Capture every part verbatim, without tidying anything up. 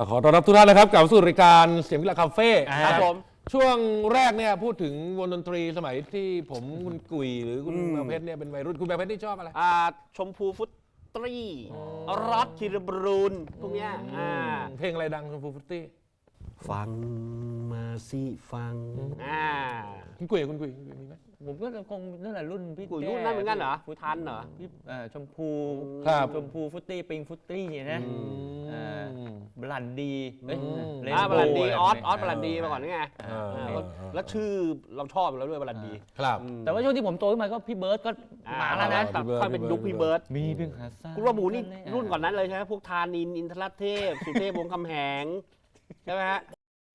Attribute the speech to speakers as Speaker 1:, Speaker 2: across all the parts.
Speaker 1: ขอต้อนรับทุกท่านนะครับกลับสู่รายการเสียงวิลาคาเฟ่
Speaker 2: ครับผม
Speaker 1: ช่วงแรกเนี่ยพูดถึงวงดนตรีสมัยที่ผมคุณกุยหรือคุณแมวเพชรเนี่ยเป็นวัยรุ่นคุณแมวเพชรที่ชอบอะไร
Speaker 2: อ่าชมพูฟุตตรีร็อตคิรบรูนพวกเนี้ยอ่า
Speaker 1: เพลงอะไรดังชมพูฟุตตี้
Speaker 2: ฟังมาสิฟังอ่า
Speaker 1: คุณกุยคุณกุยมีไหม
Speaker 3: ผมก็คงนั่นแหละรุ่นพี่
Speaker 2: กุยรุ่นนั้นเหมือนกันเหรอทันเหรอ
Speaker 3: พี่ชมพูชมพูฟุตตี้ปิงฟุตตี้เนี่ยนะบลันดีเฮ้ย
Speaker 2: บลันดีออสออสบลันดีมาก่อนนี่ไงแล้วชื่อเราชอบแล้วด้วยบลันดี
Speaker 1: ครับ
Speaker 3: แต่ว่าช่วงที่ผมโตขึ้นมาก็พี่เบิร์ดก็มาแล้วนะ
Speaker 2: ค่อยเป็นยุคพี่เบิร์ด
Speaker 3: มีเพียงหาซ่า
Speaker 2: คุณว่าหมูนี่รุ่นก่อนนั้นเลยใช่ไหมพวกธานินอินทรเทพสุเทพวงศ์คำแหงใช่ไหมฮะ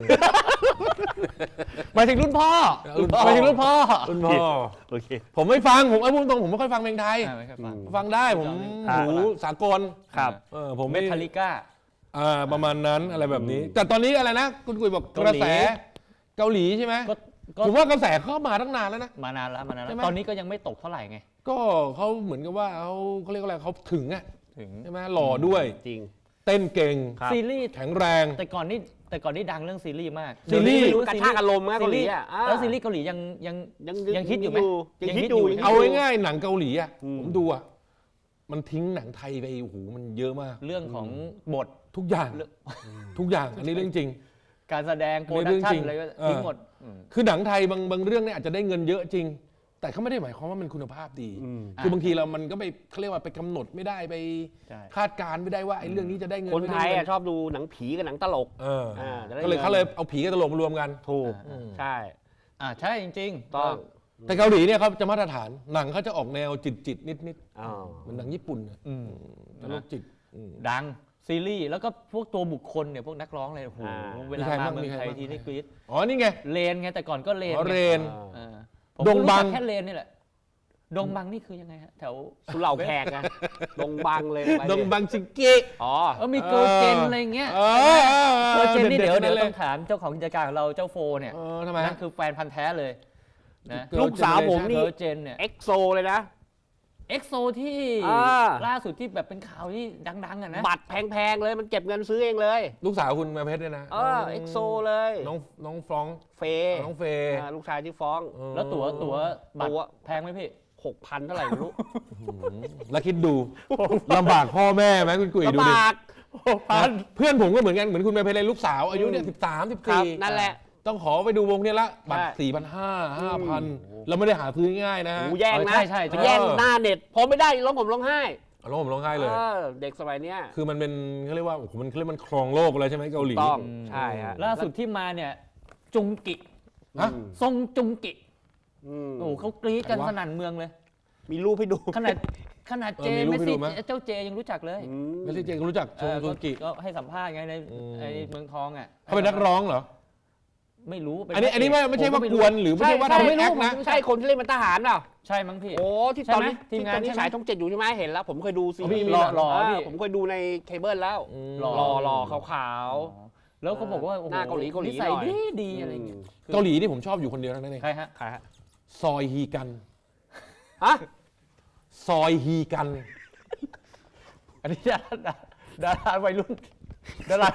Speaker 3: หมายถึงรุ่นพ่อหมายถึงรุ่นพ่อ
Speaker 1: รุ่นพ่อ
Speaker 2: โอเค
Speaker 1: ผมไม่ฟังผมไอ้พูดตรงผมไม่ค่อยฟังเพลงไทยฟังได้ผมหูสากล
Speaker 2: ครับ
Speaker 1: เออผม
Speaker 3: เมทัลลิก้า
Speaker 1: อ่าประมาณนั้นอะไรแบบนี้แต่ตอนนี้อะไรนะคุณกุยบอกกระแสเกาหลีใช่ไหมผมว่ากระแสเข้ามาตั้งนานแล้วนะ
Speaker 3: มานานแล้วมานานแล้วตอนนี้ก็ยังไม่ตกเท่าไหร่ไง
Speaker 1: ก็เขาเหมือนกับว่าเขาเขาเรียกอะไรเขาถึงอ่ะถึงใช่ไหมหล่อด้วย
Speaker 2: จริง
Speaker 1: เต้นเก่ง
Speaker 3: ซีรีส์
Speaker 1: แข็งแรง
Speaker 3: แต่ก่อนนี่แต่ก่อนนี่ดังเรื่องซีรีส์มาก
Speaker 1: ซีรีส์
Speaker 2: กระชากอารมณ์นะเกาหลีอ่ะ
Speaker 3: แล้วซีรีส์เกาหลียังยังยังฮิตอยู่ไหม
Speaker 2: ยังฮิตอยู่
Speaker 1: เอาง่ายๆหนังเกาหลีอ่ะผมดูอ่ะมันทิ้งหนังไทยไปโอ้โหมันเยอะมาก
Speaker 3: เรื่องของบท
Speaker 1: ทุกอย่างทุกอย่างอันนี้เรื่องจริง
Speaker 3: การแสดงโปรดักชั่นอะไรก็ทิ้งหมด
Speaker 1: คือหนังไทยบางบางเรื่องเนี่ยอาจจะได้เงินเยอะจริงแต่เขาไม่ได้หมายความว่ามันคุณภาพดีคือบางทีเรามันก็ไปเขาเรียกว่าไปกำหนดไม่ได้ไปคาดการไม่ได้ว่าไอ้เรื่องนี้จะได้เงิน
Speaker 2: คนไทยชอบดูหนังผีกับหนังตลก
Speaker 1: ก็เลยเขาเลยเอาผีกับตลกมารวมกัน
Speaker 2: ถูกใช่
Speaker 3: อ่าใช่จริงๆ
Speaker 2: ต้อง
Speaker 1: แต่เกาหลีเนี่ยเขาจะมาตรฐานหนังเขาจะออกแนวจิตจิตนิดนิดเหมือนหนังญี่ปุ่นตลกจิต
Speaker 3: ดังซีรีส์แล้วก็พวกตัวบุคคลเนี่ยพวกนักร้องอะไรโอ้โหเวลามาเมืองไทยทีนี่กรี๊ด
Speaker 1: อ๋อนี่ไง
Speaker 3: เลนไงแต่ก่อนก็เลน
Speaker 1: เรน
Speaker 3: ดงบังแค่เลนนี่แหละดงบังนี่คือยังไงฮะแถว
Speaker 2: สุเหร่าแขกไงดงบังเลย
Speaker 1: ดงบังชิเกะ
Speaker 2: อ๋อ
Speaker 3: มีเกิร์ลเจนอะไรเงี้ยเกิร์ลเจนนี่เดี๋ยวเดี๋ยวต้องถามเจ้าของกิจการของเราเจ้าโฟเนี่ยนั่นคือแฟนพันธ์แท้เลยนะ
Speaker 2: ลูกสาวผมนี่
Speaker 3: เกิร์ลเจนเนี่ย
Speaker 2: เอ็กโซเลยนะ
Speaker 3: เอ็กโซที่ล่าสุดที่แบบเป็นข่าวที่ดังๆอ่ะนะ
Speaker 2: บัตรแพงๆเลยมันเก็บเงินซื้อเองเลย
Speaker 1: ลูกสาวคุณมาเพชรเนี่ยนะ
Speaker 2: เออเอ็กโซเลย
Speaker 1: น้องน้องฟรอง
Speaker 2: เฟ
Speaker 1: น้องเฟ
Speaker 2: ลูกชายที่ฟ้อง
Speaker 3: แล้วตั๋วตั๋วบัตรแพงไหมพี่
Speaker 2: หกพันเท่าไหร่ไม่รู้
Speaker 1: แล้วคิดดูลำบากพ่อแม่ไหมคุณกุ๋ยดูดิ
Speaker 2: ลำบาก
Speaker 1: เพื่อนผมก็เหมือนกันเหมือนคุณมาเพชรเลยลูกสาวอายุเนี่ยสิบสามสิบสี่
Speaker 2: นั่นแหละ
Speaker 1: ต้องขอไปดูวงนี้ละบัตรสี่พันห้าห้าพันแล้วไม่ได้หาซื้อง่ายนะ
Speaker 2: แย่งนะ
Speaker 3: ใช่ใช่
Speaker 2: แย่งหน้าเน็ตพอไม่ได้ร้องผมร้องไห้
Speaker 1: ร้องผมร้องไห้เลย
Speaker 2: เด็กสมัยนี้
Speaker 1: คือมันเป็นเขาเรียกว่าโอ้โหมันเขาเรียกมันครองโลกเลยใช่ไหมเกาหลี
Speaker 2: ต้องใช่ฮะ
Speaker 3: ล่าสุดที่มาเนี่ยจุงกิฮะทรงจุงกิโอ้เขากรี๊ดกันสนั่นเมืองเลย
Speaker 2: มีรูปให้ดู
Speaker 3: ขนาดขนาดเจไม่สิเจ้าเจยังรู้จักเลย
Speaker 1: ไม่ใช่เจก็รู้จักชงจุงกิ
Speaker 3: ก็ให้สัมภาษณ์ไงในเมืองทองอ่ะ
Speaker 1: เขาเป็นนักร้องเหรอ
Speaker 3: ไม่รู้
Speaker 1: อันนี้อันนี้ไม่ใช่ว่ากวนหรือไม่ใช่ว่าทำไม่แอคนะ
Speaker 2: ใช่คนที่เล่นเป็นทหารเปล่า
Speaker 3: ใช่มั้งพี่
Speaker 2: โอ้ที่ตอนนี้ที่ตอนนี้ฉายช่องเจ็ดอยู่ใช่ไหมเห็นแล้วผมเคยดูซีรีส์
Speaker 3: หล่อ
Speaker 2: ผมเคยดูในเคเบิลแล้วหล่อหล่อขาว
Speaker 3: ๆแล้วเขาบอกว่า
Speaker 2: หน้าเกาหลีเกาหลี
Speaker 3: ใส่ดีดีอะไรอย่างเงี้ย
Speaker 1: เกาหลีที่ผมชอบอยู่คนเดียวนั่นเอง
Speaker 3: ใครฮะ
Speaker 2: ใครฮะ
Speaker 1: ซอยฮีกัน
Speaker 2: ฮะ
Speaker 1: ซอยฮีกัน
Speaker 3: อันนี้ดาราดาราวัยรุ่นดารา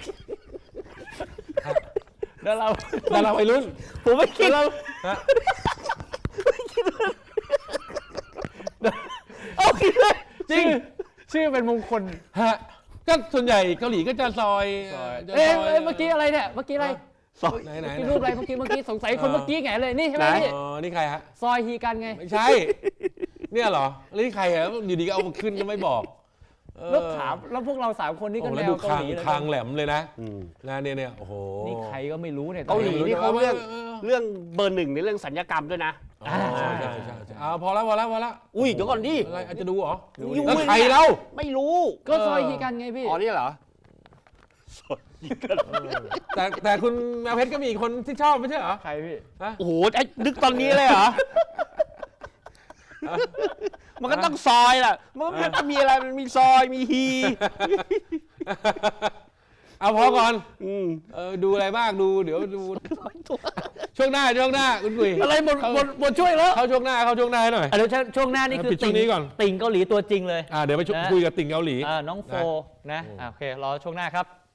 Speaker 3: ดารา
Speaker 1: ดาราวัยรุ่น
Speaker 2: ผมไม่คิดเรา
Speaker 3: ไม่คิดเอาคิดเลยจริงชื่อเป็นมงคล
Speaker 1: ฮะก็ส่วนใหญ่เกาหลีก็จะซอย
Speaker 3: เอ๊ะเมื่อกี้อะไรเนี่ยเมื่อกี้อะไร
Speaker 1: ซอยไหนไหน
Speaker 3: รูปอะไรเมื่อกี้เมื่อกี้สงสัยคนเมื่อกี้ไงเลยนี่ใช่ไหมพี่
Speaker 1: อ๋อนี่ใครฮะ
Speaker 3: ซอยฮีกันไง
Speaker 1: ไม่ใช่เนี่ยเหรอแล้วนี่ใครอ่ะอยู่ดีก็เอาขึ้นก็ไม่บอก
Speaker 3: แล้วถามแล้วพวกเราสามคนนี่ก็แนวเกาหลีเลย
Speaker 1: คางแหลมเลยนะงานเนี่ยเนี่ยโอ้โห
Speaker 3: นี่ใครก็ไม่รู้เนี่ย
Speaker 2: เกาหลีนี่เขาเรื่องเรื่องเบอร์หนึ่งในเรื่องสัญญกรรมด้วยนะ
Speaker 1: ใช่ใช่ใช่อ่าพอแล้วพอแล้วพอแล้ว
Speaker 2: อุ้ยเดี๋ยวก่อนดิ
Speaker 1: อะไรอาจจะดูเหรอแล้วใครเล่า
Speaker 2: ไม่รู้
Speaker 3: ก็ซอยฮีกันไงพี่
Speaker 2: อ๋อนี่เหรอ
Speaker 1: แต่แต่คุณแมวเพชรก็มีอีกคนที่ชอบไม่ใช่เหรอ
Speaker 3: ใครพี่
Speaker 2: โอ้โหไอ้นึกตอนนี้เลยเหรอมันก็ต้องซอยแหละมันก็จะมีอะไรมันมีซอยมีฮี
Speaker 1: เอาพอก่อนเออดูอะไรบ้างดูเดี๋ยวดูช่วงหน้าช่วงหน้าคุณกุย
Speaker 3: อะไรหมดหมดหมดช่วยแล้ว
Speaker 1: เข้าช่วงหน้าเข้าช่วงหน้าหน่อย
Speaker 3: เดี๋ยวช่วงหน้านี่คือติ่งก่อนติ่งเกาหลีตัวจริงเลย
Speaker 1: อ่าเดี๋ยวไปคุยกับติ่งเกาหลี
Speaker 3: อ่าน้องโฟนะโอเครอช่วงหน้าครับ